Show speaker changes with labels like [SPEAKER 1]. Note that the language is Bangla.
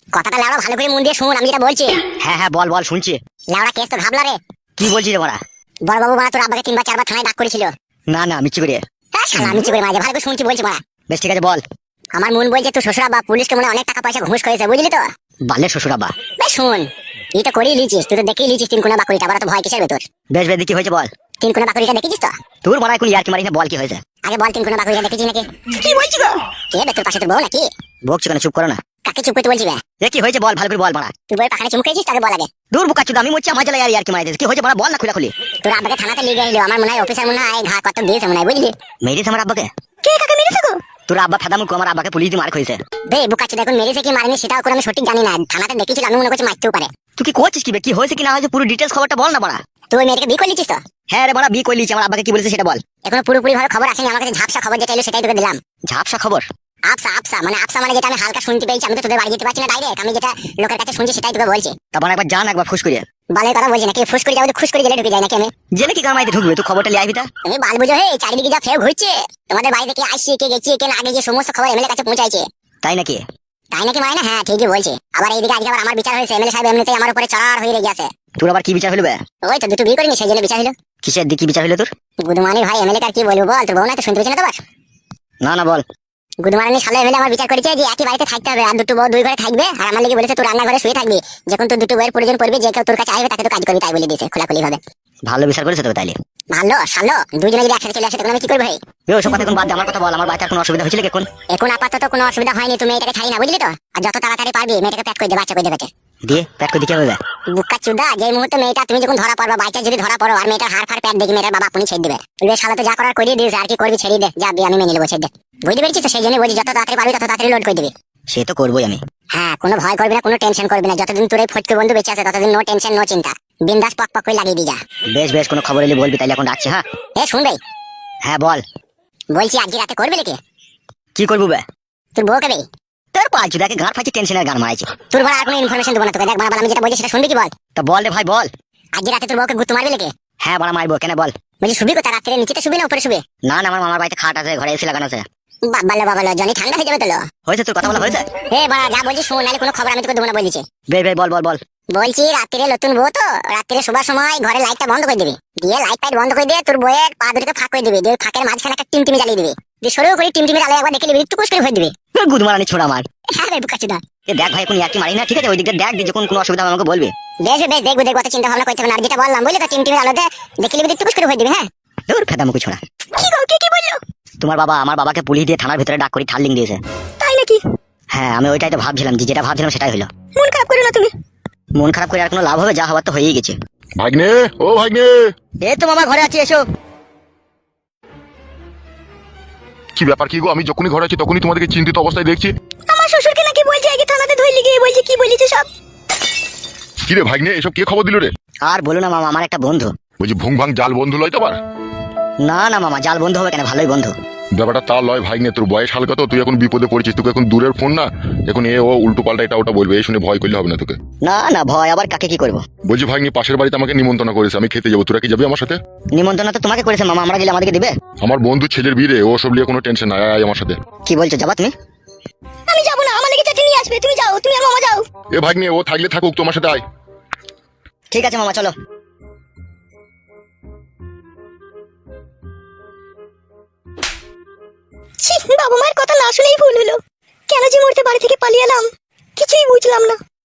[SPEAKER 1] কথাটা লাউড়া ভালো করে মন দিয়ে শুন, আমি যেটা বলছি।
[SPEAKER 2] হ্যাঁ হ্যাঁ বল বল শুনছি।
[SPEAKER 1] লাউড়া কেস তো ঘাবলা রে।
[SPEAKER 2] কি বলছিস রে বড়া?
[SPEAKER 1] বড় বাবু তোর আব্বাকে 3 বার 4 বার থানায় ডাক করেছিল।
[SPEAKER 2] না না মিচ্ছি করে।
[SPEAKER 1] হ্যাঁ শালা মিছি করে মাঝে ভালো করে শুনছি বলছি বড়া।
[SPEAKER 2] বেশ ঠিক আছে বল।
[SPEAKER 1] আমার মন বলছে তোর শ্বশুর আব্বা পুলিশকে মনে হয় অনেক টাকা পয়সা ঘুষ করেছে, বুঝলি তো?
[SPEAKER 2] বালের শ্বশুর আব্বা।
[SPEAKER 1] বেশ শুন, এই তো করেই লিচিস, তুই তো দেখেই লিচিস 3 কোনা বাকুড়িটা, আবার তো ভয় কিসের ভেতর?
[SPEAKER 2] বেশ বেশ কি হয়েছে বল।
[SPEAKER 1] 3 কোনা বাকুড়িটা দেখেছিস তো?
[SPEAKER 2] তোর বড়া এখন ইয়ার কি মারিস না, বল কি হয়েছে?
[SPEAKER 1] আগে বল 3 কোনা বাকুড়িটা দেখেছিস নাকি?
[SPEAKER 3] কি বলছিস গো?
[SPEAKER 1] কে বে তোর পাশে তোর বউ নাকি?
[SPEAKER 2] বকছো কেন, চুপ করো না।
[SPEAKER 1] কাকে চুপ করতে বলছি বে?
[SPEAKER 2] এ কি হয়েছে বল, ভালো করে বল বড়া।
[SPEAKER 1] তুই বউয়ের পাখানে চুমকেছিস, তাকে বল আগে।
[SPEAKER 2] দূর বুকা চুদা, আমি মরছি আমার জ্বালা ইয়ার কি মারিস। কি হয়েছে বড়া, বল না খুলে খুলি।
[SPEAKER 1] তোর আব্বাকে থানাতে নিয়ে গেছিল, আমার মনে হয় অফিসার মনে হয় ঘা কত দিয়েছে মনে হয়, বুঝলি?
[SPEAKER 2] মেরিস আমার আব্বাকে?
[SPEAKER 3] কে কাকে মেরেছে গো?
[SPEAKER 2] তোর আব্বা ফেদা মুখ, আমার আব্বাকে পুলিশ দিয়ে মার খাইছে।
[SPEAKER 1] বে বুকাচ্ছি, দেখুন মেরেছে কি মারেনি সেটাও করে আমি সঠিক জানি না, থানাতে দেখেছিল, আমি মনে করছি মারতেও পারে।
[SPEAKER 2] তুই কি করছিস কি বে, কি হয়েছে কি না হয়েছে পুরো ডিটেইলস খবরটা বল না বড়া।
[SPEAKER 1] তুই ওই মেয়েটাকে বিয়ে করে নিচ্ছিস তো?
[SPEAKER 2] হ্যাঁ রে বড়া, বিয়ে করে লিয়েছি। আমার আব্বাকে কি বলেছে সেটা বল।
[SPEAKER 1] এখনো পুরোপুরি ভাবে খবর আসেনি আমার কাছে, ঝাপসা খবর যেটা এলো সেটাই তোকে দিলাম।
[SPEAKER 2] ঝাপসা খবর?
[SPEAKER 1] আপসা মানে যেটা আমি হালকা শুনতে পেয়েছি, আমি তো তোদের বাড়ি যেতে পারছি না ডাইরেক্ট, আমি যেটা লোকের কাছে শুনছি সেটাই তোকে বলছি।
[SPEAKER 2] তারপর একবার জান, একবার ফুস করিয়ে।
[SPEAKER 1] বালের কথা বলছি নাকি, ফুস করে যাবো, খুশ করে জেলে ঢুকে যায় নাকি আমি?
[SPEAKER 2] জেনে কি কামাইতে ঢুকবে, তুই খবরটা লিয়ে আইবি তা।
[SPEAKER 1] তুমি বাল বুঝো হে, চারিদিকে যা ফের ঘুরছে, তোমাদের বাড়ি থেকে আসছি কে গেছি কে না গেছি সমস্ত খবর এমএলএ কাছে পৌঁছাইছে।
[SPEAKER 2] তাই নাকি?
[SPEAKER 1] তাই নাকি মানে না, হ্যাঁ ঠিকই বলছি। আবার এইদিকে আজকে আবার আমার বিচার হয়েছে, এমএলএ সাহেব এমনিতেই আমার উপরে চড়ার হয়ে রেগে আছে।
[SPEAKER 2] তোর আবার কি বিচার হলো বে?
[SPEAKER 1] ওই তো দুটো বিয়ে করিনি সেই জন্য বিচার হলো।
[SPEAKER 2] কিসের দিকে বিচার হলো তোর?
[SPEAKER 1] গুদমানি ভাই এমএলএ কার কি বলবো বল, তোর বউ না তো শুনতে পেয়েছি না তোমার?
[SPEAKER 2] না না বল।
[SPEAKER 1] গুদমানি সালে এমএলএ আমার বিচার করেছে যে একই বাড়িতে থাকতে হবে, আর দুটো বউ 2 ঘরে থাকবে, আর আমার লেগে বলেছে তোর রান্নাঘরে শুয়ে থাকবি, যখন তোর দুটো বউয়ের প্রয়োজন পড়বে যে কেউ তোর কাছে আসবে তাকে তো কাজ করবি, তাই বলে দিয়েছে খোলাখুলি ভাবে।
[SPEAKER 2] ভালো বিচার করেছে তবে তাইলে।
[SPEAKER 1] ভালো শালো, দুজনে যদি একসাথে চলে আসে তখন আমি কি করবো? ভাই
[SPEAKER 2] এ ওসব কথা এখন বাদ দে, আমার কথা বল। আমার বাচ্চার কোনো অসুবিধা হয়েছিল কি এখন?
[SPEAKER 1] এখন আপাতত কোনো অসুবিধা হয়নি, তুমি এটাকে ছাড়ি না, বুঝলি তো? আর যত তাড়াতাড়ি পারবি মেয়েটাকে প্যাক করে দে, বাচ্চা করে দেবে।
[SPEAKER 2] দিয়ে প্যাক করে দিতে হবে।
[SPEAKER 1] বুকা চুদা, যে মুহূর্তে মেয়েটা তুমি যখন ধরা পড়বা, বাচ্চা যদি ধরা পড়ো আর মেয়েটার হাড় ফাড় প্যাক দেখি মেয়েটার বাবা আপনি ছেড়ে দেবে, বলবে শালা তো যা করার করিয়ে দিয়েছে, আর কি করবি ছেড়ে দে, যা আমি মেনে নেবো, ছেড়ে দে। বুঝতে পেরেছিস তো? সেই জন্য বলছি যত তাড়াতাড়ি পারবি তত তাড়াতাড়ি লোড করে দিবি।
[SPEAKER 2] সে তো করবোই আমি।
[SPEAKER 1] হ্যাঁ, কোনো ভয় করবি না, কোনো টেনশন করবি না, যতদিন তোর এই ফটকে বন্ধু বেঁচে আছে ততদিন নো টেনশন নো চিন্তা, বিন্দাস পক পক করে লাগিয়ে দি যা।
[SPEAKER 2] বেশ বেশ, কোনো খবর এলে বলবি, তাইলে এখন রাখছি। হ্যাঁ
[SPEAKER 1] এ শুন ভাই,
[SPEAKER 2] হ্যাঁ বল।
[SPEAKER 1] বলছি আজকে রাতে করবে নাকি?
[SPEAKER 2] কি করবো বে?
[SPEAKER 1] তোর বউকে বে?
[SPEAKER 2] তোর পাঁচ দেখে গান ফাঁচি, টেনশনের গান মারাইছে।
[SPEAKER 1] তোর বড় আর কোনো ইনফরমেশন দেবো না তোকে, দেখ বাবা আমি যেটা বলছি সেটা শুনবি কি বল?
[SPEAKER 2] তা বল রে ভাই বল।
[SPEAKER 1] আজকে রাতে তোর বউকে গুত্তু মারবে নাকি?
[SPEAKER 2] হ্যাঁ বড়া মারবো, কেন বল।
[SPEAKER 1] বলছি শুবি কোথায়, রাত্রে নিচেতে শুবি না উপরে শুবি?
[SPEAKER 2] না না, আমার মামার বাড়িতে খাট আছে, ঘরে এসি লাগানো আছে।
[SPEAKER 1] বাবা জনি ঠান্ডা হয়ে যাবে তো।
[SPEAKER 2] হয়েছে তোর কথা বলা হয়েছে?
[SPEAKER 1] হে বাবা যা বলছি শোন, নাহলে কোনো খবর আমি তোকে দেবো না বলছি।
[SPEAKER 2] বে বে বল বল বল।
[SPEAKER 1] বলছি রাত্রে নতুন বউ তো, রাত্রে শোবার সময় ঘরে লাইটটা বন্ধ করে দিবি, দিয়ে লাইট ফাইট বন্ধ করে দিয়ে তোর বউয়ের পা দুটোকে ফাঁক করে দিবি, দিয়ে ফাঁকের মাঝখানে একটা টিমটিমি জ্বালিয়ে দিবি, দিয়ে সরু করে টিমটিমির আলো একবার দেখে নিবি, একটু কুস করে ভরে দিবি।
[SPEAKER 2] গুদমারানি ছোড়া আমার।
[SPEAKER 1] হ্যাঁ রে বুকাচুদা।
[SPEAKER 2] এ দেখ ভাই, এখন ইয়ার্কি মারি না, ঠিক আছে? ওই দিকটা দেখ, যখন কোনো অসুবিধা হবে আমাকে বলবি।
[SPEAKER 1] বেশ বেশ দেখবো দেখবো, অত চিন্তা ভাবনা করতে হবে না, আর যেটা বললাম বুঝলি তো, টিমটিমির আলোতে দেখে নিবি, একটু কুস করে ভরে দিবি। হ্যাঁ
[SPEAKER 2] তোর ফেদা মুখে ছোড়া।
[SPEAKER 3] কি গো, কি বললো?
[SPEAKER 2] তোমার বাবা আমার বাবাকে পুলিশ দিয়ে থানার ভিতরে ডাক করে থার্লিং দিয়েছে।
[SPEAKER 3] তাই নাকি?
[SPEAKER 2] হ্যাঁ আমি ওইটাই তো ভাবছিলাম, যে যেটা ভাবছিলাম সেটাই হলো।
[SPEAKER 3] মন খারাপ করো না তুমি।
[SPEAKER 2] মন খারাপ করে আর কোনো লাভ হবে? যা হবার তো হয়েই গেছে।
[SPEAKER 4] ভাগ্নে, ও ভাগ্নে,
[SPEAKER 2] এই তো মামা ঘরে আছি, এসো।
[SPEAKER 4] কি ব্যাপার কি গো? আমি যখনই ঘরে আছি তখনই তোমাদেরকে চিন্তিত অবস্থায় দেখছি।
[SPEAKER 3] আমার শ্বশুরকে নাকি বলছে আগে থানাতে ধরে গিয়ে বলছে, কি বলেছে সব?
[SPEAKER 4] কি রে ভাগ্নে, এসব কে খবর দিল রে?
[SPEAKER 2] আর বলো না মামা, আমার একটা বন্ধু।
[SPEAKER 4] বলছি ভুং ভাং জাল বন্ধু লয় তো আবার?
[SPEAKER 2] না না মামা, জাল বন্ধু হবে কেন, ভালোই বন্ধু।
[SPEAKER 4] ব্যাপারটা তা লয় ভাগ্নে, তোর বয়স হালকা তো, তুই এখন বিপদে পড়েছিস, তোকে এখন দূরের ফোন না, এখন এ ও উল্টো পাল্টা এটা ওটা বলবে, এই শুনে ভয় করলে হবে না তোকে।
[SPEAKER 2] না না ভয় আবার কাকে, কি করবো?
[SPEAKER 4] বলছি ভাগ্নি, পাশের বাড়িতে আমাকে নিমন্ত্রণ করেছে, আমি খেতে যাবো, তোরা কি যাবি আমার সাথে?
[SPEAKER 2] নিমন্ত্রণ তো তোমাকে করেছে মামা, আমরা গেলে আমাদেরকে দিবে?
[SPEAKER 4] আমার বন্ধু ছেলের বিয়ে রে, ও সব নিয়ে কোনো টেনশন নাই, আয় আমার সাথে।
[SPEAKER 2] কি বলছো, যাবা তুমি?
[SPEAKER 3] আমি যাবো না, আমার লেগে চাটি নিয়ে আসবে, তুমি যাও, তুমি আর মামা যাও।
[SPEAKER 4] এ ভাগ্নে, ও থাকলে থাকুক, তোমার সাথে আয়।
[SPEAKER 2] ঠিক আছে মামা, চলো।
[SPEAKER 3] ছি, বাবা মায়ের কথা না শুনেই ভুল হলো, কেন যে মরতে বাড়ি থেকে পালিয়ে এলাম কিছুই বুঝলাম না।